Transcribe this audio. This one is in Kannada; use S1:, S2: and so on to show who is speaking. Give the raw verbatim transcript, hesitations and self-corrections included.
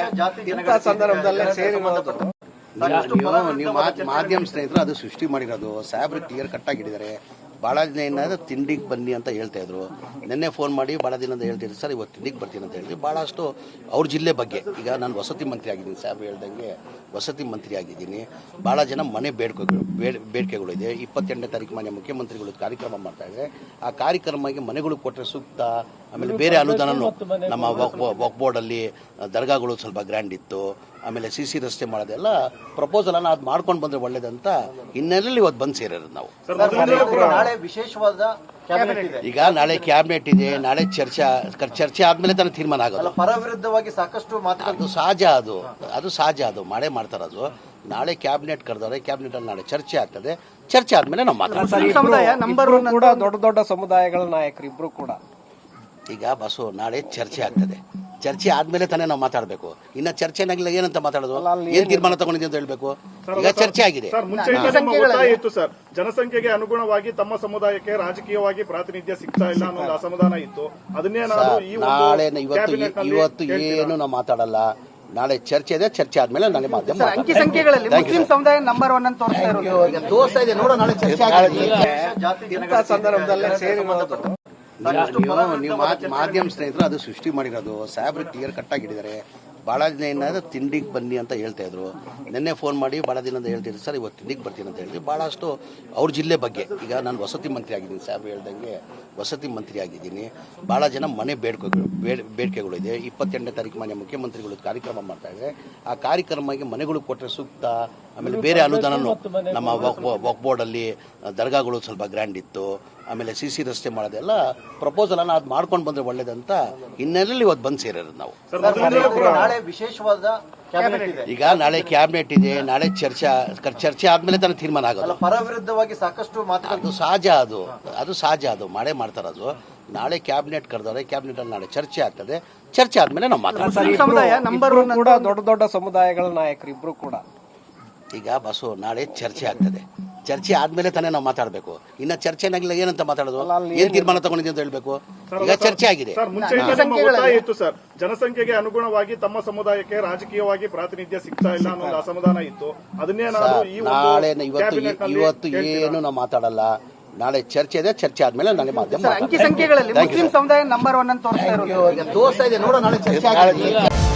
S1: ಇಂಥ ಸಂದರ್ಭದಲ್ಲೇ ಸೇರಿರೋದು
S2: ನೀವು ಮಾಧ್ಯಮ ಸ್ನೇಹಿತರು ಅದು ಸೃಷ್ಟಿ ಮಾಡಿರೋದು. ಸಾಹೇಬ್ರು ಕ್ಲಿಯರ್ ಕಟ್ ಆಗಿದ್ದಾರೆ. ಭಾಳ ದಿನ ಏನಾದ್ರು ತಿಂಡಿಗೆ ಬನ್ನಿ ಅಂತ ಹೇಳ್ತಾ ಇದ್ರು. ನಿನ್ನೆ ಫೋನ್ ಮಾಡಿ ಭಾಳ ದಿನದಿಂದ ಹೇಳ್ತಿದ್ರು ಸರ್ ಇವತ್ತು ತಿಂಡಿಗೆ ಬರ್ತೀನಿ ಅಂತ ಹೇಳಿದ್ವಿ. ಭಾಳಷ್ಟು ಅವ್ರ ಜಿಲ್ಲೆ ಬಗ್ಗೆ ಈಗ ನಾನು ವಸತಿ ಮಂತ್ರಿ ಆಗಿದ್ದೀನಿ. ಸಾಹೇಬ್ರು ಹೇಳ್ದಂಗೆ ವಸತಿ ಮಂತ್ರಿ ಆಗಿದ್ದೀನಿ. ಭಾಳ ಜನ ಮನೆ ಬೇಡಿಕೆಗಳು ಬೇಡಿಕೆಗಳು ಇದೆ. ಇಪ್ಪತ್ತೆಂಟನೇ ತಾರೀಕು ಮನೆ ಮುಖ್ಯಮಂತ್ರಿಗಳು ಕಾರ್ಯಕ್ರಮ ಮಾಡ್ತಾ ಇದ್ದಾರೆ. ಆ ಕಾರ್ಯಕ್ರಮಕ್ಕೆ ಮನೆಗಳು ಕೊಟ್ಟರೆ ಸೂಕ್ತ. ಆಮೇಲೆ ಬೇರೆ ಅನುದಾನನೂ ನಮ್ಮ ವಕ್ ಬೋರ್ಡಲ್ಲಿ ದರ್ಗಾಗಳು ಸ್ವಲ್ಪ ಗ್ರ್ಯಾಂಡ್ ಇತ್ತು. ಆಮೇಲೆ ಸಿ ಸಿ ರಸ್ತೆ ಮಾಡೋದೆಲ್ಲ ಪ್ರಪೋಸಲ್ ಅನ್ನ ಅದು ಮಾಡ್ಕೊಂಡು ಬಂದ್ರೆ ಒಳ್ಳೇದಂತ ಹಿನ್ನೆಲೆಯಲ್ಲಿ ಇವತ್ತು ಬಂದು ಸೇರಿರೋದು ನಾವು.
S3: ವಿಶೇಷವಾದ
S2: ಈಗ ನಾಳೆ ಕ್ಯಾಬಿನೆಟ್ ಇದೆ. ನಾಳೆ ಚರ್ಚೆ ಚರ್ಚೆ ಆದ್ಮೇಲೆ ತಾನೇ ತೀರ್ಮಾನ ಆಗೋದು.
S3: ಪರ ವಿರುದ್ಧವಾಗಿ ಸಾಕಷ್ಟು ಮಾತು
S2: ಅದು ಸಹಜ. ಅದು ಅದು ಸಹಜ. ಅದು ಮಾಡೇ ಮಾಡ್ತಾರದು. ನಾಳೆ ಕ್ಯಾಬಿನೆಟ್ ಕರೆದವ್ರೆ. ಕ್ಯಾಬಿನೆಟ್ ಅಲ್ಲಿ ನಾಳೆ ಚರ್ಚೆ ಆಗ್ತದೆ. ಚರ್ಚೆ ಆದ್ಮೇಲೆ ನಾವು ಮಾತಾಡ್ತೀವಿ.
S1: ಕೂಡ ದೊಡ್ಡ ದೊಡ್ಡ ಸಮುದಾಯಗಳ ನಾಯಕರು ಇಬ್ರು ಕೂಡ
S2: ಈಗ ಬಸ್ಸು ನಾಳೆ ಚರ್ಚೆ ಆಗ್ತದೆ. ಚರ್ಚೆ ಆದ್ಮೇಲೆ ತಾನೇ ನಾವು ಮಾತಾಡಬೇಕು. ಇನ್ನ ಚರ್ಚೆನಾಗಿಲ್ಲ ಏನಂತ ಮಾತಾಡೋದು, ಏನ್ ತೀರ್ಮಾನ ತಗೊಂಡಿದೆ ಅಂತ ಹೇಳ್ಬೇಕು. ಈಗ ಚರ್ಚೆ ಆಗಿದೆ.
S4: ಇತ್ತು ಸರ್, ಜನಸಂಖ್ಯೆಗೆ ಅನುಗುಣವಾಗಿ ತಮ್ಮ ಸಮುದಾಯಕ್ಕೆ ರಾಜಕೀಯವಾಗಿ ಪ್ರಾತಿನಿಧ್ಯ ಸಿಗ್ತಾ ಇಲ್ಲ ಅನ್ನೋ ಅಸಮಾಧಾನ ಇತ್ತು. ಅದನ್ನೇ
S2: ನಾಳೆ ಇವತ್ತು ಇವತ್ತು ಏನು ನಾವು ಮಾತಾಡಲ್ಲ. ನಾಳೆ ಚರ್ಚೆ ಇದೆ. ಚರ್ಚೆ ಆದ್ಮೇಲೆ ನಾಳೆ ಮಾಧ್ಯಮ
S3: ಅಂಕಿ ಸಂಖ್ಯೆಗಳಲ್ಲಿ ಮುಸ್ಲಿಂ ಸಮುದಾಯ ನಂಬರ್ ಒನ್ ಅಂತ
S2: ತೋರಿಸ್ತಾ ಇದೆ. ನೋಡೋ ನಾಳೆ ಚರ್ಚೆ ಆಗಿದೆ.
S1: ಇಂಥ ಸಂದರ್ಭದಲ್ಲೇ ಸೇರಿರೋದು
S2: ನೀವು ಮಾಧ್ಯಮ ಸ್ನೇಹಿತರು ಅದು ಸೃಷ್ಟಿ ಮಾಡಿರೋದು. ಸಾಹೇಬ್ರು ಕ್ಲಿಯರ್ ಕಟ್ ಆಗಿದ್ದಾರೆ. ಭಾಳ ದಿನ ಏನಾದ್ರು ತಿಂಡಿಗೆ ಬನ್ನಿ ಅಂತ ಹೇಳ್ತಾ ಇದ್ರು. ನಿನ್ನೆ ಫೋನ್ ಮಾಡಿ ಭಾಳ ದಿನದಿಂದ ಹೇಳ್ತಿದ್ರು ಸರ್ ಇವತ್ತು ತಿಂಡಿಗೆ ಬರ್ತೀನಿ ಅಂತ ಹೇಳಿದ್ವಿ. ಭಾಳಷ್ಟು ಅವ್ರ ಜಿಲ್ಲೆ ಬಗ್ಗೆ ಈಗ ನಾನು ವಸತಿ ಮಂತ್ರಿ ಆಗಿದ್ದೀನಿ. ಸಾಹೇಬ್ರು ಹೇಳ್ದಂಗೆ ವಸತಿ ಮಂತ್ರಿ ಆಗಿದ್ದೀನಿ. ಭಾಳ ಜನ ಮನೆ ಬೇಡಿಕೆಗಳು ಬೇಡಿಕೆಗಳು ಇದೆ. ಇಪ್ಪತ್ತೆಂಟನೇ ತಾರೀಕು ಮನೆ ಮುಖ್ಯಮಂತ್ರಿಗಳು ಕಾರ್ಯಕ್ರಮ ಮಾಡ್ತಾ ಇದ್ದಾರೆ. ಆ ಕಾರ್ಯಕ್ರಮಕ್ಕೆ ಮನೆಗಳು ಕೊಟ್ಟರೆ ಸೂಕ್ತ. ಆಮೇಲೆ ಬೇರೆ ಅನುದಾನನೂ ನಮ್ಮ ವಕ್ ಬೋರ್ಡಲ್ಲಿ ದರ್ಗಾಗಳು ಸ್ವಲ್ಪ ಗ್ರ್ಯಾಂಡ್ ಇತ್ತು. ಆಮೇಲೆ ಸಿ ಸಿ ರಸ್ತೆ ಮಾಡೋದೆಲ್ಲ ಪ್ರಪೋಸಲ್ ಅನ್ನ ಅದು ಮಾಡ್ಕೊಂಡು ಬಂದ್ರೆ ಒಳ್ಳೇದಂತ ಹಿನ್ನೆಲೆಯಲ್ಲಿ ಇವತ್ತು ಬಂದು ಸೇರಿರೋದು ನಾವು.
S3: ವಿಶೇಷವಾದ
S2: ಈಗ ನಾಳೆ ಕ್ಯಾಬಿನೆಟ್ ಇದೆ. ನಾಳೆ ಚರ್ಚೆ ಚರ್ಚೆ ಆದ್ಮೇಲೆ ತಾನೇ ತೀರ್ಮಾನ ಆಗೋದು.
S3: ಪರ ವಿರುದ್ಧವಾಗಿ ಸಾಕಷ್ಟು ಮಾತು
S2: ಅದು ಸಹಜ. ಅದು ಅದು ಸಹಜ. ಅದು ಮಾಡೇ ಮಾಡ್ತಾರದು. ನಾಳೆ ಕ್ಯಾಬಿನೆಟ್ ಕರೆದವ್ರೆ. ಕ್ಯಾಬಿನೆಟ್ ಅಲ್ಲಿ ನಾಳೆ ಚರ್ಚೆ ಆಗ್ತದೆ. ಚರ್ಚೆ ಆದ್ಮೇಲೆ ನಾವು ಮಾತಾಡ್ತೀವಿ.
S1: ಕೂಡ ದೊಡ್ಡ ದೊಡ್ಡ ಸಮುದಾಯಗಳ ನಾಯಕರು ಇಬ್ರು ಕೂಡ
S2: ಈಗ ಬಸ್ಸು ನಾಳೆ ಚರ್ಚೆ ಆಗ್ತದೆ. ಚರ್ಚೆ ಆದ್ಮೇಲೆ ತಾನೇ ನಾವು ಮಾತಾಡಬೇಕು. ಇನ್ನ ಚರ್ಚೆನಾಗಿಲ್ಲ ಏನಂತ ಮಾತಾಡೋದು, ಏನ್ ತೀರ್ಮಾನ ತಗೊಂಡಿದೆ ಅಂತ ಹೇಳ್ಬೇಕು. ಈಗ ಚರ್ಚೆ ಆಗಿದೆ.
S4: ಇತ್ತು ಸರ್, ಜನಸಂಖ್ಯೆಗೆ ಅನುಗುಣವಾಗಿ ತಮ್ಮ ಸಮುದಾಯಕ್ಕೆ ರಾಜಕೀಯವಾಗಿ ಪ್ರಾತಿನಿಧ್ಯ ಸಿಗ್ತಾ ಇಲ್ಲ ಅನ್ನೋ ಅಸಮಾಧಾನ ಇತ್ತು. ಅದನ್ನೇ
S2: ನಾಳೆ ಇವತ್ತು ಇವತ್ತು ಏನು ನಾವು ಮಾತಾಡಲ್ಲ. ನಾಳೆ ಚರ್ಚೆ ಇದೆ. ಚರ್ಚೆ ಆದ್ಮೇಲೆ ನಾಳೆ ಮಾಧ್ಯಮ
S3: ಅಂಕಿ ಸಂಖ್ಯೆಗಳಲ್ಲಿ ಮುಸ್ಲಿಂ ಸಮುದಾಯ ನಂಬರ್ ಒನ್ ಅಂತ ತೋರಿಸ್ತಾ
S2: ಇದೆ. ನೋಡೋ ನಾಳೆ ಚರ್ಚೆ ಆಗಿದೆ.